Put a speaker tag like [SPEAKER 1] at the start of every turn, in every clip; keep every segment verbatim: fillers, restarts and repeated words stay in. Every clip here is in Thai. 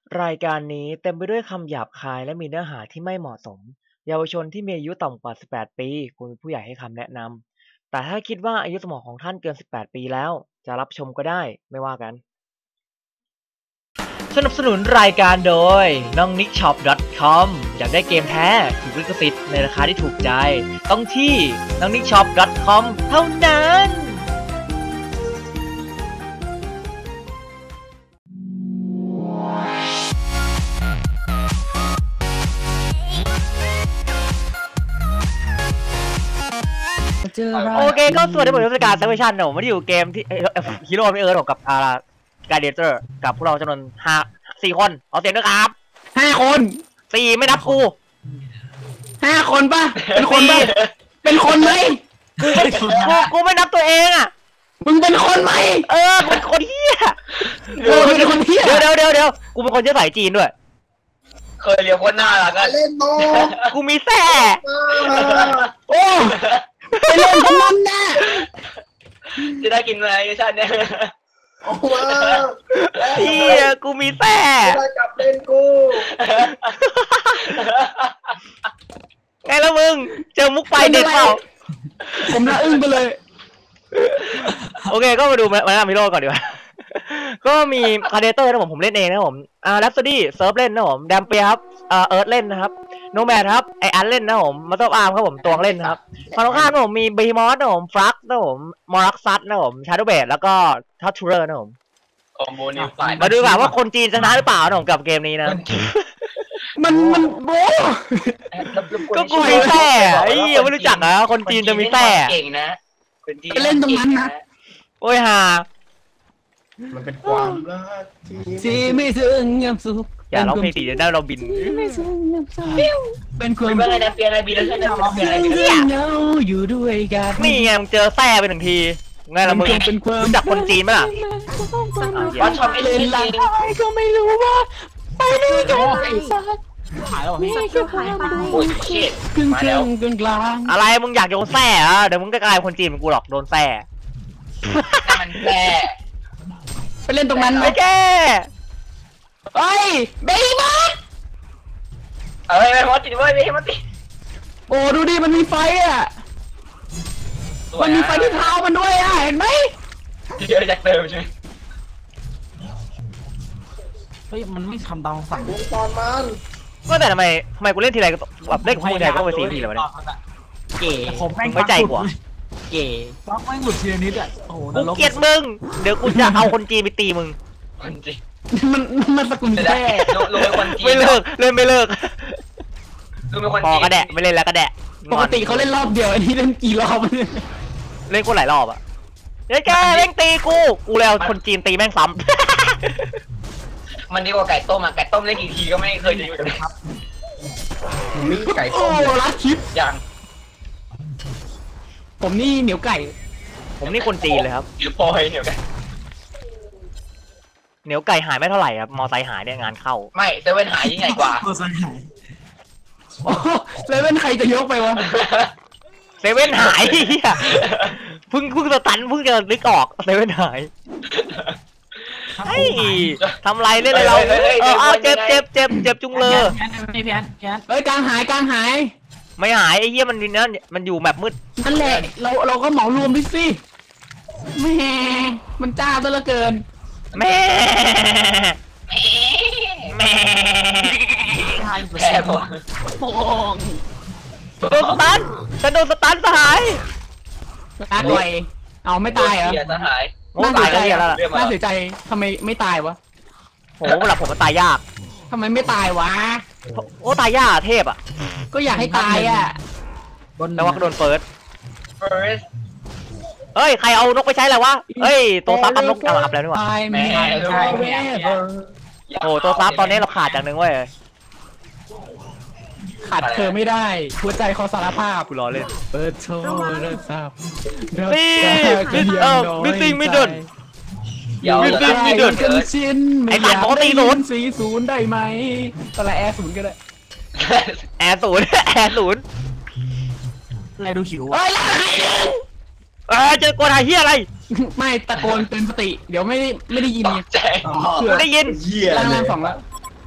[SPEAKER 1] รายการนี้เต็มไปด้วยคำหยาบคายและมีเนื้อหาที่ไม่เหมาะสม เยาวชนที่มีอายุต่ำกว่า สิบแปด ปีควรมีผู้ใหญ่ให้คำแนะนำ แต่ถ้าคิดว่าอายุสมองของท่านเกิน สิบแปด ปีแล้ว จะรับชมก็ได้ ไม่ว่ากัน สนับสนุนรายการโดย น้องนิกช็อป ดอท คอม อยากได้เกมแท้ถูกลิขสิทธิ์ในราคาที่ถูกใจ ต้องที่ น้องนิกช็อป ดอท คอม เท่านั้นโอเคก็สวัสดีผมรัชการซักเวชั่นผมไม่ได้อยู่เกมที่ฮีโร่ไม่เอิร์ธกับอ่าการเดเตอร์กับพวกเราจำนวนห้าสี่คนเอาเสียงด้วยครับ
[SPEAKER 2] ห้าคน
[SPEAKER 1] สี่ไม่นับกู
[SPEAKER 2] ห้าคนป่ะเป็นคนป่ะเป็นคนไหม
[SPEAKER 1] กูกูกูไม่นับตัวเองอ่ะ
[SPEAKER 2] มึงเป็นคนไหม
[SPEAKER 1] เออเป็นคนเฮีย
[SPEAKER 2] เออเป็นคนเฮีย
[SPEAKER 1] เดี๋ยวเดี๋ยวเดี๋ยวเดี๋ยวกูเป็นคนเชื้อสายจีนด้วย
[SPEAKER 3] เคยเรียกคนหน้าละกัน
[SPEAKER 2] เล่นโม
[SPEAKER 1] กูมีแส่
[SPEAKER 2] โอ้ไปเล่นกับมันแน่
[SPEAKER 3] จะได้กินอะไรชาติเนี่ย
[SPEAKER 2] โอ้โห
[SPEAKER 1] เฮียกูมีแส่
[SPEAKER 2] ได้กลับเล่นกู
[SPEAKER 1] ไงแล้วมึงเจอมุกไฟเด็ดเปล่า
[SPEAKER 2] ผมน่าอึ้งไปเลย
[SPEAKER 1] โอเคก็มาดูมาหน้ามิโร่ก่อนดีกว่าก็มีคาเดเตอร์นะผมผมเล่นเองนะผมอ่าแรปโซดี้เซิร์ฟเล่นนะผมแดมเปียครับอ่าเอิร์ธเล่นนะครับโนแมดครับไออันเล่นนะผมมาตออาร์มครับผมตวงเล่นนะครับฝั่งตรงข้ามนะผมมีบีมอสนะผมฟลักนะผมมอรักซัตนะผมชาร์ดเบดแล้วก็ทัชชูเรอร์นะผม
[SPEAKER 3] คอมโบนิวไฟ
[SPEAKER 1] มาดูกันว่าคนจีนชนะหรือเปล่านะผมกับเกมนี้นะ
[SPEAKER 2] มันมันโบ
[SPEAKER 1] ก็กูมีแส่ไอ้ยังไม่รู้จักอ่ะคนจีนจะมีแส่
[SPEAKER 3] เก่งนะคนจีน
[SPEAKER 2] เล่นตรงนั้นนะ
[SPEAKER 1] โอ้ยฮา
[SPEAKER 2] มันเป็นความรักที่ไม่ถึงยามสุข
[SPEAKER 1] อย่าร้องเพลงตีจะได้เราบิน
[SPEAKER 2] เป็นความ
[SPEAKER 3] เป็นอะไรนะเปียอะไรบินแล้วใช่ไหมร้องเพลงอะไรบิน
[SPEAKER 2] เงาอยู่ด้วยกัน
[SPEAKER 1] นี่ไงมึงเจอแส่ไปหนึ่งทีไงล่ะมึงรู้จักคนจีนไหมล่ะ
[SPEAKER 3] ว่าชอบไม่เล่นจริง
[SPEAKER 2] ก็ไม่รู้ว่าไปนี่กัน
[SPEAKER 3] หายแล้วพี่โอ้ยเชิด
[SPEAKER 2] มาแล้วกึ่งกลาง
[SPEAKER 1] อะไรมึงอยากโดนแส่อ่ะเดี๋ยวมึงก็กลายคนจีนเหมือนกูหรอกโดนแส่
[SPEAKER 3] มันแก่
[SPEAKER 2] ไปเล่นตรงนั้นไหม
[SPEAKER 1] แก
[SPEAKER 2] เฮ้ยเบย์มอส
[SPEAKER 3] เอ้ยมอสติดเว้ยเบย์มอสติด
[SPEAKER 2] โอ้ดูดิมันมีไฟอ่ะมันมีไฟที่เท้ามันด้วยอ่ะเห็นไหม
[SPEAKER 3] เยอะจากเติมใช่ไหม
[SPEAKER 2] เฮ้ยมันไม่ทำตามสั่งตอนมัน
[SPEAKER 1] ก็แต่ทำไมทำไมกูเล่นทีไรแบบเล่นคู่ใหญ่ก็ไปซีทีเลยวะเนี่ย
[SPEAKER 2] เก๋
[SPEAKER 1] ผมไม่ใจกว่าเก๋
[SPEAKER 2] บล็อกไม่หลุดทีละนิดอ่ะโอ้โห
[SPEAKER 1] กูเกลียดมึงเดี๋ยวกูจะเอาคนจีนไปตีมึง
[SPEAKER 3] คนจีน
[SPEAKER 2] มันมันสกุลแท้
[SPEAKER 3] ลงเป็นคนจีน
[SPEAKER 1] ไม่เลิกเล่นไม่เลิก
[SPEAKER 3] ลงเป็นคน
[SPEAKER 1] จีนพอกระแดะไม่เล่นแล้วกระแดะ
[SPEAKER 2] ปกติเขาเล่นรอบเดียวอันนี้เล่นกี่รอบ
[SPEAKER 1] เล่นกูหลายรอบอ่ะเฮ้ยแกเล่นตีกูกูแล้วคนจีนตีแม่งซ้
[SPEAKER 3] ำมันดีกว่าไก่ต้มอ่ะไก่ต้มเล่นกี่ทีก็ไม่เคยจะอยู่เลยครับ
[SPEAKER 2] มีไก่ต้มรัดคลิป
[SPEAKER 3] อย่าง
[SPEAKER 2] ผมนี่เหนียวไก่
[SPEAKER 1] ผมนี่คนจีนเลยครับ
[SPEAKER 3] ปอยเหนียวไก่
[SPEAKER 1] เหนียวไก่หายไม่เท่าไหร่ครับมอไซค์หายเนี่ยงานเข้า
[SPEAKER 3] ไม่เซเว่นหายยิ่งใหญ่กว่า
[SPEAKER 2] มอไซค์หายเซเว่นใครจะยกไปวะ
[SPEAKER 1] เซเว่นหายเพิ่งเพิ่งจะตันเพิ่งจะนึกออกเซเว่นหายไอ้ทำไรเล่นอะไรเราเออเจ็บเจ็บเจ็บเจ็บจุงเลย
[SPEAKER 2] พี่แพนเฮ้ยกลางหายกลางหาย
[SPEAKER 1] ไม่หายไอ้เหี้ยมันนั่นมันอยู่แบบมืด
[SPEAKER 2] นั่นแหละเราเราก็เหมารวมไปสิแม่มันจ้าซะเหลือเกิน
[SPEAKER 1] แม่แม่
[SPEAKER 3] แม่ผม
[SPEAKER 2] โป่ง
[SPEAKER 1] โดนสตันฉันโดนสตันสหาย
[SPEAKER 2] ตายด้วยเอาไม่ตายเหรอ
[SPEAKER 3] สหาย
[SPEAKER 1] น่าเสียใจแล้ว
[SPEAKER 2] น่าเสียใจทำไมไม่ตายวะ
[SPEAKER 1] โหเวลาผมมันตายยาก
[SPEAKER 2] ทำไมไม่ตายวะ
[SPEAKER 1] โอ้ตายยากเทพอ่ะ
[SPEAKER 2] ก็อยากให้ตายอ่ะ
[SPEAKER 1] แต่ว่าก็โดนเฟิร์สเฮ้ยใครเอานกไปใช้แล้ววะเฮ้ยตัวซับทำนกอับแล้วนี่หว่าโอ้ตัวซับตอนนี้เราขาดจากหนึ่งเว้ย
[SPEAKER 2] ขาดเธอไม่ได้หัวใจขอสารภาพ
[SPEAKER 1] กูรอเล่น
[SPEAKER 2] เปิดโชว์เริ่มทราบ
[SPEAKER 1] นี่เออมิสซิ่งมิดเดิล
[SPEAKER 2] มิสซิ่งมิดเดิลกันชิ้นไม่อยากได้ยินสีศูนย์ได้ไหมตอนแรกแอร์ศูนย์ก็ได้
[SPEAKER 1] แอร์ศูนย์แอร์ศูนย์
[SPEAKER 2] อะไรดูหิว
[SPEAKER 1] เออเจอกวนหาเฮียอะไร
[SPEAKER 2] ไม่ตะโกนเตือนสติเดี๋ยวไม่ไม่ได้ยินไง
[SPEAKER 1] ไม่ได้ยิน
[SPEAKER 2] ล่างล่างสองแล้ว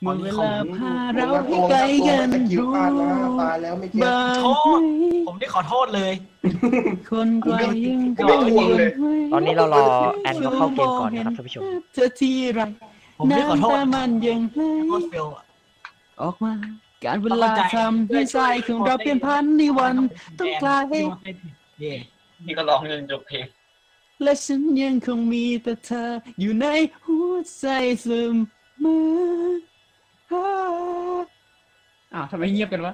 [SPEAKER 2] เมื่อเวลาพาเราให้ไกลกันรู้
[SPEAKER 4] ตายแล้วไม่เจ็บ
[SPEAKER 2] บ้าง
[SPEAKER 5] โทษผมได้ขอโทษเลย
[SPEAKER 2] คนไกลยัง
[SPEAKER 4] ไม่ห่วงเลย
[SPEAKER 1] ตอนนี้เรารอแอนเขาเข้าเกมก่อนนะครับท่านผู้ชม
[SPEAKER 2] เธอที่ไร
[SPEAKER 5] ผมได้ขอโทษ
[SPEAKER 2] น้ำตามันยังไหล
[SPEAKER 5] โทษเฟลอะ
[SPEAKER 2] ออกมา การเวลาทำให้ใจของเราเปลี่ยนพันในวันต้องกลาย
[SPEAKER 5] เย่
[SPEAKER 3] นี่ก็ร้องจนจบเพลง
[SPEAKER 2] และฉันยังคงมีแต่เธออยู่ในหัวใจเสมออ้าวทำไมเงียบกันวะ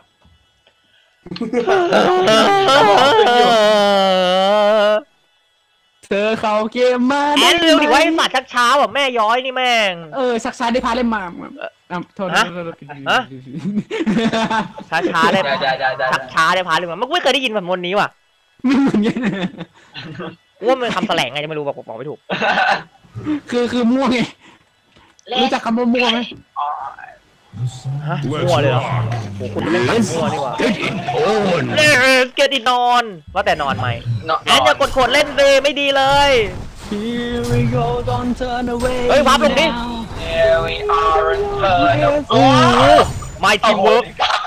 [SPEAKER 2] เธอเข้าเกมมา
[SPEAKER 1] แอนเร็วดิว่าไอ้สัตว์ชักช้าแบบแม่ย้อยนี่แม่ง
[SPEAKER 2] เออสักซายได้พาเล่นมาอ่ะโทษ
[SPEAKER 1] ฮะ
[SPEAKER 2] โทษโทษ
[SPEAKER 1] ฮะ ช้าช้าๆได้
[SPEAKER 3] ได้ได้ได้ได้
[SPEAKER 1] ชักช้าได้พาเลยมันไม่เคยได้ยินแบบมนนี้ว่ะ
[SPEAKER 2] ไม่เหมือนกัน
[SPEAKER 1] ว่ามันคำแถลงไงจะไม่รู้บอกบอกไม่ถูก
[SPEAKER 2] คือคือมั่วไงรู้จักคำว่ามั่วไหม
[SPEAKER 1] ฮะมั่วเลยเหรอโหคุณจะเล่นตัดมั่วนี่หว่าเลสเกตินอนว่าแต่นอนไหม
[SPEAKER 3] เนาะ
[SPEAKER 1] แอนอย่ากดขวดเล่นเลยไม่ดีเลย
[SPEAKER 2] Here we go don't turn away
[SPEAKER 1] เฮ้ยวับลงดิ
[SPEAKER 3] Here we are in turn
[SPEAKER 1] โอ้โห my team work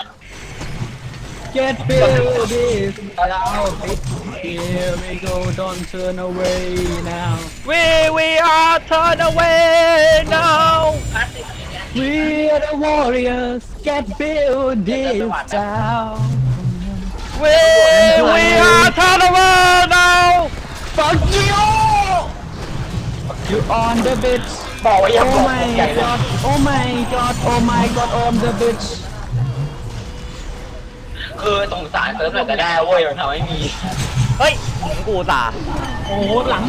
[SPEAKER 2] Get build this out Here we go don't turn away now
[SPEAKER 1] we we are turn away now
[SPEAKER 2] We are the warriors Get build this down
[SPEAKER 1] we we are turn away now
[SPEAKER 2] Fuck you You on the bitch
[SPEAKER 3] บอกว่าอย่า
[SPEAKER 2] Oh
[SPEAKER 3] บอก
[SPEAKER 2] my
[SPEAKER 3] ใหญ่เลย
[SPEAKER 2] god Oh my god Oh my god on the bitch
[SPEAKER 3] คือสงสารเติมหน่อยก็ได้เว้ยมันทำให้มี
[SPEAKER 1] เฮ้ยกูตา
[SPEAKER 5] โอ้โหหลัง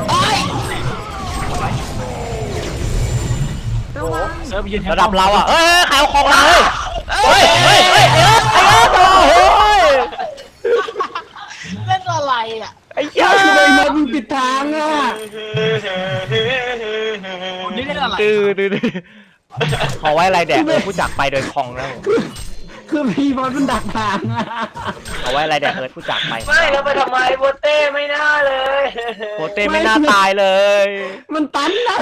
[SPEAKER 6] ระวัง
[SPEAKER 5] เซิร์ฟยืนแทน
[SPEAKER 1] ระดับเราอ่ะเอ้ยใครเอาของเราเฮ้ยเฮ้ยเฮ้ยไอ้เอิร์ธไอ้เอิร์ธโอ้ย
[SPEAKER 5] เล่นอะไรอ่ะ
[SPEAKER 1] ไอ้เหี้ย
[SPEAKER 2] ทำไมมันปิดทางอ่ะ
[SPEAKER 5] ผมนี่เล่นอะไร
[SPEAKER 1] ดื้อดื้อดื้อขอไว้อะไรแดกเออผู้จักไปโดยคลองนะผม
[SPEAKER 2] คือพี่บอลมันดักทางอ่ะ
[SPEAKER 1] ขอไว้อะไรแดกเออผู้จักไป
[SPEAKER 3] ไม่แล้วไปทำไมโบเต้ไม่น่าเลย
[SPEAKER 1] โคเต้ไม่น่าตายเลย
[SPEAKER 2] มันตันนะ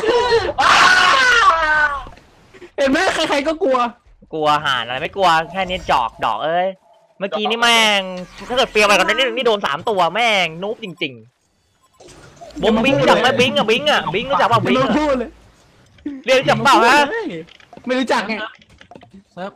[SPEAKER 2] เห็นไหมใครๆก็กลัว
[SPEAKER 1] กลัวห่านอะไรไม่กลัวแค่นี้จอกดอกเอ้ยเมื่อกี้นี่แม่งถ้าเกิดเปรียวไปก่อนนี่นี่โดนสามตัวแม่งนูบจริงๆบงบิงรู้จักไหมบิงอ่ะบิงอ่ะบิงรู้จักเปล่าบิง
[SPEAKER 2] ไม่
[SPEAKER 1] อะ
[SPEAKER 2] พูดเลย
[SPEAKER 1] เรียนรู้จักเปล่าฮะ
[SPEAKER 2] ไม่รู้จักไง
[SPEAKER 5] เซิร์ฟ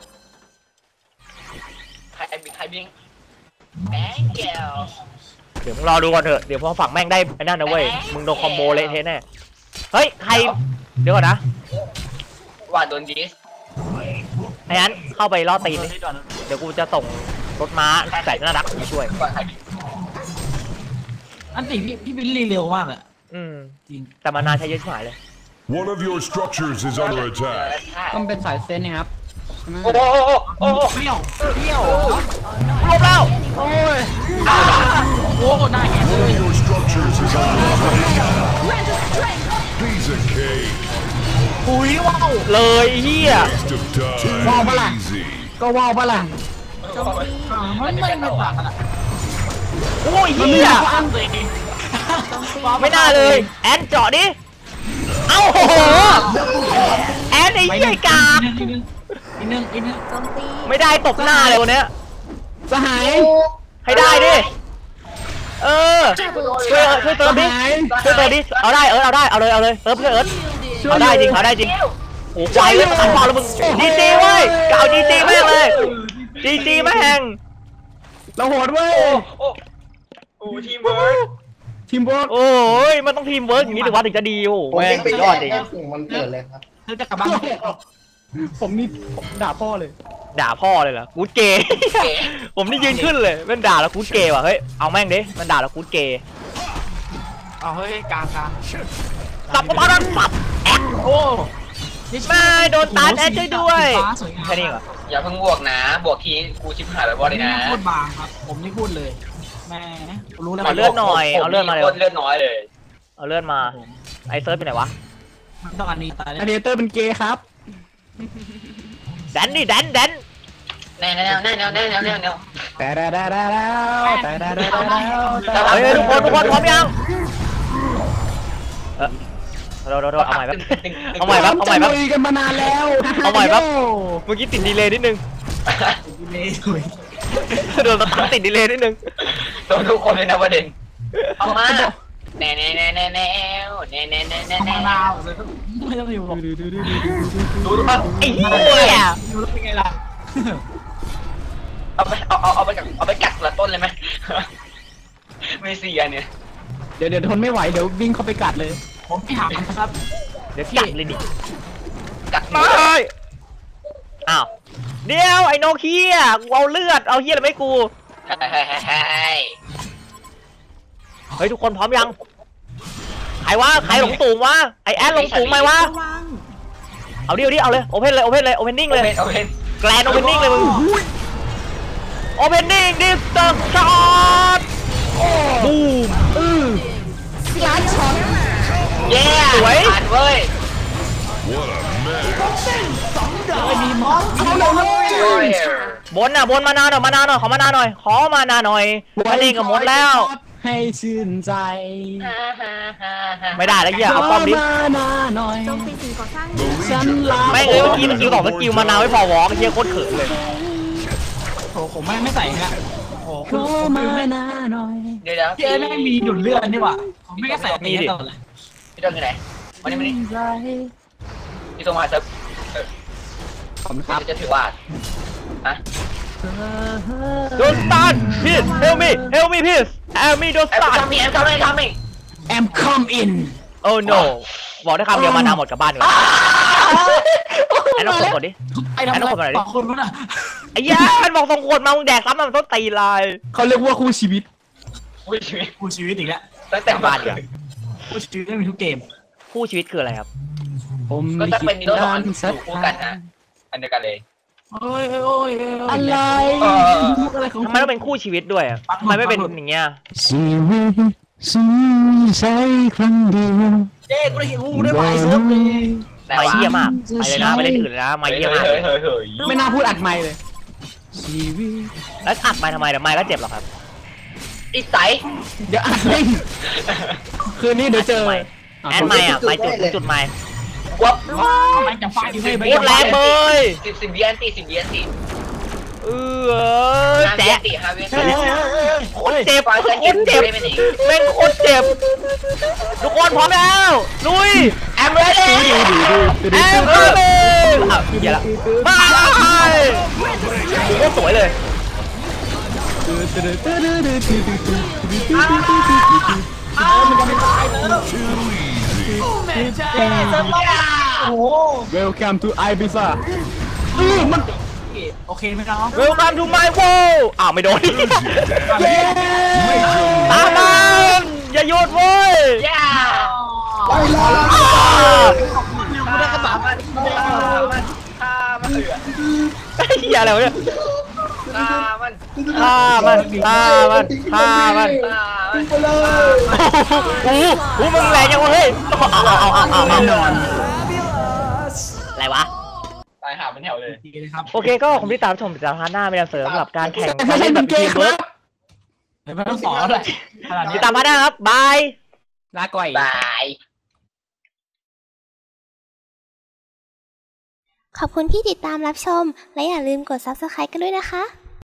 [SPEAKER 3] ใครบิงใครบิงแบงเกล
[SPEAKER 1] เดี๋ยวมึงรอดูก่อนเถอะเดี๋ยวพอฝั่งแม่งได้ไอ้นั่นนะเว้ยมึงโดนคอมโบเละเทะแน่เฮ้ยใครเดี๋ยวก่อนนะ
[SPEAKER 3] ว่าโดนดิส
[SPEAKER 1] ไอ้นั้นเข้าไปล่อตีนดิ
[SPEAKER 5] ที่ก่อน
[SPEAKER 1] เดี๋ยวกูจะส่งรถม้าแสนน่ารักมาช่วย
[SPEAKER 3] ก่อนใครบิง
[SPEAKER 5] อันติพี่พี่บิลลี่เร็วมากอะ
[SPEAKER 1] อืม
[SPEAKER 5] จริง
[SPEAKER 1] แต่มานานใช้เยอะชิบหายเลย
[SPEAKER 7] One of your structures is under attack.
[SPEAKER 2] ต้องเป็นสายเซนนะครับ
[SPEAKER 3] โอ้โหโอ้โห
[SPEAKER 5] เปรี้ยวเปรี้ยว
[SPEAKER 1] รวมแล้ว
[SPEAKER 5] โอ้ยโอ้หน้าแหกเล
[SPEAKER 7] One
[SPEAKER 5] ย
[SPEAKER 7] of your structures is under attack. Piece of cake.
[SPEAKER 5] ปุยว้าว
[SPEAKER 1] เลยเฮีย
[SPEAKER 7] Waste of time. Easy.
[SPEAKER 2] ก็ว่าวปะล่ะ
[SPEAKER 5] มันไม่ไม่ต่างกันอะ
[SPEAKER 1] โอ้ยเฮีย
[SPEAKER 5] อ้างเลย
[SPEAKER 1] ไม่น่าเลย แอนเจาะดิ เอ้าโอ้โหแอนไอ้เหี้ยกาก
[SPEAKER 5] อีกนึงอีกนึงอีกนึง
[SPEAKER 6] โจมตี
[SPEAKER 1] ไม่ได้ตบหน้าเลยวันเนี้ย
[SPEAKER 2] สหาย
[SPEAKER 1] ให้ได้ดิ เออ ช่วยช่วยเติมดิ ช่วยเติมดิ เอาได้เออเอาได้ เอาเลยเอาเลยเติมเพื่อเอิร์ธเอาได้จริงเอาได้จริง โอ้ใจเลยขันบอลแล้วมึงจีจีเว้ยเก่าจีจีแม่งเลยจีจีแม่ง
[SPEAKER 2] เราโหดเว้ย
[SPEAKER 3] โอ้โอ้ทีมเวิร์ก
[SPEAKER 2] ทีมบอล
[SPEAKER 1] โอ้ยมันต้องทีมเวิร์กอย่างนี้ถึงว่าถึงจะดีโอ้
[SPEAKER 4] ผม
[SPEAKER 1] แม่
[SPEAKER 4] เอง งไป
[SPEAKER 1] สุด
[SPEAKER 4] ย
[SPEAKER 1] ย
[SPEAKER 4] อ
[SPEAKER 1] อ
[SPEAKER 4] ด
[SPEAKER 1] ด
[SPEAKER 4] เอ
[SPEAKER 1] จริ
[SPEAKER 4] ง
[SPEAKER 1] ง
[SPEAKER 4] ส่งมันเกิดเลยครับ
[SPEAKER 5] เธอจะกลับบ้าน
[SPEAKER 2] ผมนี่ด่าพ่อเลย
[SPEAKER 1] ด่าพ่อเลยเหรอกูดเกย์ ผมนี่ยืนขึ้นเลยมันด่าแล้วกูดเกย์ว่ะเฮ้ยเอาแม่งดิมันด่าแล้วกูดเกย์
[SPEAKER 5] เอาเฮ้ยกลางกลาง
[SPEAKER 1] สับประมาณสับแอด
[SPEAKER 5] โอ้
[SPEAKER 1] ไม่โดนตัดแอดช่วยด้วย
[SPEAKER 5] ฟ้าสวยงาม
[SPEAKER 1] แค่นี้เหรอ
[SPEAKER 3] อย่าเพิ่งบวกนะ บวกทีกูชิบหายไปบ่เลยนะ
[SPEAKER 5] พูดบางครับ ผมนี่พูดเลยแม่รู้แล้ว
[SPEAKER 1] เอาเลือดหน่อยเอาเลือดมาเร็ว
[SPEAKER 3] เลือดน้อยเลย
[SPEAKER 1] เอาเลื่อนมาไอเซิร์ฟไปไหนวะ
[SPEAKER 5] มันต้องอันนี้ตาย
[SPEAKER 2] อเดเตอร์เป็นเกย์ครับ
[SPEAKER 1] แดนดิแดนแดน
[SPEAKER 3] แน่แน่แน่แน่แน่แน่แน่แน่
[SPEAKER 2] แต่ดาดาดาดาแต่ดาดาดาดา
[SPEAKER 1] เฮ้ยทุกคนทุกคนพร้อมยังเออโดนโดนเอาใหม่แบบเอาใหม่แบบเอาใหม่แบบ
[SPEAKER 2] จะลุยกันมานานแล้ว
[SPEAKER 1] เอาใหม่แบบเมื่อกี้ติดดีเลย์นิดนึง
[SPEAKER 5] ดีเลยถุย
[SPEAKER 1] โดนตั้งติดดีเลย์นิดนึง
[SPEAKER 3] โดนทุกคนเลยนะประเด็นเอามาแน่แน่แน่แน่แน่แน่แน่แน่แน่
[SPEAKER 5] มะนาวไม่ต้องอยู่หรอก
[SPEAKER 3] ดูดูครับ
[SPEAKER 1] ไอ้เหี้ย
[SPEAKER 5] อยู่แล้วเป็นไงล่ะ
[SPEAKER 3] เอาไปเอาเอาเอาไปกัดเอาไปกัดละต้นเลยไหมไม่เสียเนี่ย
[SPEAKER 2] เดี๋ยวเดี๋ยวทนไม่ไหวเดี๋ยววิ่งเข้าไปกัดเลย
[SPEAKER 5] ผมไม่ถามนะครับ
[SPEAKER 1] เดี๋ยวกัดเลยดิ
[SPEAKER 3] กัด
[SPEAKER 1] ไม่อ้าวเดี๋ยวไอ้โนเคียกูเอาเลือดเอาเฮียอะไรไม่กู
[SPEAKER 3] เฮ้ยเฮ้ยเฮ้ย
[SPEAKER 1] เฮ้ยทุกคนพร้อมยังใครวะใครหลงสูงวะไอแอดหลงสูงไหมวะ
[SPEAKER 6] ระวัง
[SPEAKER 1] เอาดิเอาดิเอาเลยโอเพนเลยโอเพนเลยโอเพนนิ่ง
[SPEAKER 3] โอ
[SPEAKER 1] เลย
[SPEAKER 3] เพนโอเพน
[SPEAKER 1] แกลนโอเพนนิ่งเลยมึงโอเพนนิ่งดิสเตอร์ช็อตบูม
[SPEAKER 3] เย้ผ่านเว้ย
[SPEAKER 7] What a mess.
[SPEAKER 5] ไม่มีมอส
[SPEAKER 1] บนน่ะบนมานานหน่อยมานานหน่อยขอมานานหน่อยขอมานานหน่อยมาเล่นกับมดแล้ว
[SPEAKER 2] ให้ชื่นใจ
[SPEAKER 1] ไม่ได้แล้วเหี้ยเอาป้อมดิ
[SPEAKER 2] ขมานาหน่อย
[SPEAKER 6] โจมตีสิ่งก่อสร้าง
[SPEAKER 2] ฉันลา
[SPEAKER 1] ไม่เลยเมื่อกี้สกิลสองสกิลมานานไม่พอวอล์กเฮียโคตรเขินเลย
[SPEAKER 5] โอ้ผมไม่ไม่ใส่ฮะโอ้
[SPEAKER 2] ขอมานาหน่อย
[SPEAKER 3] เดี๋ยวเดี๋ยว
[SPEAKER 5] พี่เอ้ไม่มีดุดเลือดนี่หว่าผมไม่ก็ใส่อันนี้ตลอดเลย
[SPEAKER 3] พี่ต้นที่ไหนมานี่มานี่พี่ต้นมาจะ
[SPEAKER 2] ขอบคุณครับ
[SPEAKER 3] จะถือว่าอะ
[SPEAKER 1] โดนสตันพีสเฮลมี่เฮลมี่พีสเฮลมี่โดนส
[SPEAKER 3] แอม
[SPEAKER 1] ตัน
[SPEAKER 3] ทำมีแอมทำอะไรทำมี
[SPEAKER 2] แอม come in
[SPEAKER 1] โอ้ no บอกได้คำเดียวมานานหมดกลับบ้านเลยไอ้น้องกดกดดิ
[SPEAKER 5] ไอ้ทำอะไรสองคนวะน่ะ
[SPEAKER 1] ไอ้ยามันบอกส่งขวดมามึงแดกซ้ำมันต้องตีลาย
[SPEAKER 2] เขาเรียกว่าคู่ชีวิต
[SPEAKER 3] อุ้ยชีวิต
[SPEAKER 5] กูชีวิตอีกแล้ว
[SPEAKER 3] ตั้งแต่บ้านเลย
[SPEAKER 5] กูชีวิตไม่มีทุกเกม
[SPEAKER 1] คู่ชีวิตคืออะไรครับ
[SPEAKER 2] ผม
[SPEAKER 3] ก็
[SPEAKER 2] ไม่
[SPEAKER 3] จะ
[SPEAKER 2] คิ
[SPEAKER 3] เป็น
[SPEAKER 2] ด
[SPEAKER 3] นิโรธสอง
[SPEAKER 2] นา
[SPEAKER 3] อั
[SPEAKER 2] น
[SPEAKER 3] น
[SPEAKER 2] สัก
[SPEAKER 3] คู่กันนะอันเดียวกันเลย
[SPEAKER 5] โอ้ยโอ้ย
[SPEAKER 2] อะไรอะไรของ
[SPEAKER 1] ทำไมต้องเป็นคู่ชีวิตด้วยอะทำไมไม่เป็นอย่างเงี้ย
[SPEAKER 2] ชีวิตฉันใช้ครั้งเดียว
[SPEAKER 5] เจ๊กูได้เห็นกูได้ไปเซิร์ฟเลย
[SPEAKER 3] แต่
[SPEAKER 1] ไม่
[SPEAKER 3] ว่า
[SPEAKER 1] เยี่ยมากไปเลยนะไปเล่นอื่นเลยนะไม่
[SPEAKER 3] เฮ้ย
[SPEAKER 1] เยี่ยม
[SPEAKER 3] เฮ้ย
[SPEAKER 1] มาก
[SPEAKER 3] เฮ้ยเฮ้ย
[SPEAKER 2] ไม่น่าพูดอัดไมค์เลยชีวิต
[SPEAKER 1] แล้วอัดไปทำไมเดี๋ยวไม่ก็เจ็บหรอกครับ
[SPEAKER 3] อีใส
[SPEAKER 2] เดี๋ยวอัดไม่คืนนี้เดี๋ยวเจอ
[SPEAKER 1] แอนไม่อะไม่จุดจุดไม่
[SPEAKER 3] วับ
[SPEAKER 5] มันจะฟาดอยู่ไม่
[SPEAKER 1] โคตรแรงเลย
[SPEAKER 3] สิบสิบวิอันตีสิบวิอันตี
[SPEAKER 1] เออ
[SPEAKER 3] ห้าวิ
[SPEAKER 1] แจ๊
[SPEAKER 3] อันตีห้าวิอันตี
[SPEAKER 1] โคตรเจ็บ
[SPEAKER 3] ปล่อย
[SPEAKER 1] โค
[SPEAKER 3] เส้น
[SPEAKER 1] ต
[SPEAKER 3] เก็
[SPEAKER 1] ร
[SPEAKER 3] บ
[SPEAKER 1] เจ็บ
[SPEAKER 3] ได้ไหมนี่
[SPEAKER 1] แม่งโคตรเจ็บทุกคนพร้อมแล้วลุย
[SPEAKER 3] แอมเรดี้
[SPEAKER 1] แอมเบอร์อ้าวเหี้ยละบายโคตรสวยเลย
[SPEAKER 5] โอ้โห
[SPEAKER 2] Welcome to Ibiza
[SPEAKER 5] โอเคไหมน้อง
[SPEAKER 1] Welcome to my world อ้าวไม่โดนตามมันอย่าหยุดเว้ย
[SPEAKER 3] ย่า
[SPEAKER 4] ไปแล้ว
[SPEAKER 3] กูได้กระเป๋ามันฆ่ามันฆ่ามันเหลือ
[SPEAKER 1] เหี้ยอะไรวะเนี่ย
[SPEAKER 3] ฆ่ามัน
[SPEAKER 1] ฆ่ามันฆ่ามันฆ่ามัน
[SPEAKER 3] ฆ่ามัน
[SPEAKER 4] ไปเลย
[SPEAKER 1] โอ้โหโอ้โหมึงแรงยังวะเฮ้ยเอาเอาเอาเอาเอา
[SPEAKER 2] แน่นอน
[SPEAKER 1] อะไรวะ
[SPEAKER 3] ตายหาเป็นแถวเลย
[SPEAKER 5] ดีเลยครับ
[SPEAKER 1] โอเคก็ผมที่ตามชมจากพาร์ทหน้าไม่ได้เสริมสำหรับการแข่ง
[SPEAKER 2] ไม่ใช่เป็นเกมครับ
[SPEAKER 5] เดี๋ยวไม่ต้องสอนเลยขนาดนี้
[SPEAKER 1] ติดตามพาร์ทหน้าครับบาย
[SPEAKER 2] ลาก่อย
[SPEAKER 3] บาย
[SPEAKER 8] ขอบคุณที่ติดตามรับชม และอย่าลืมกด ซับสไครบ์ กันด้วยนะคะ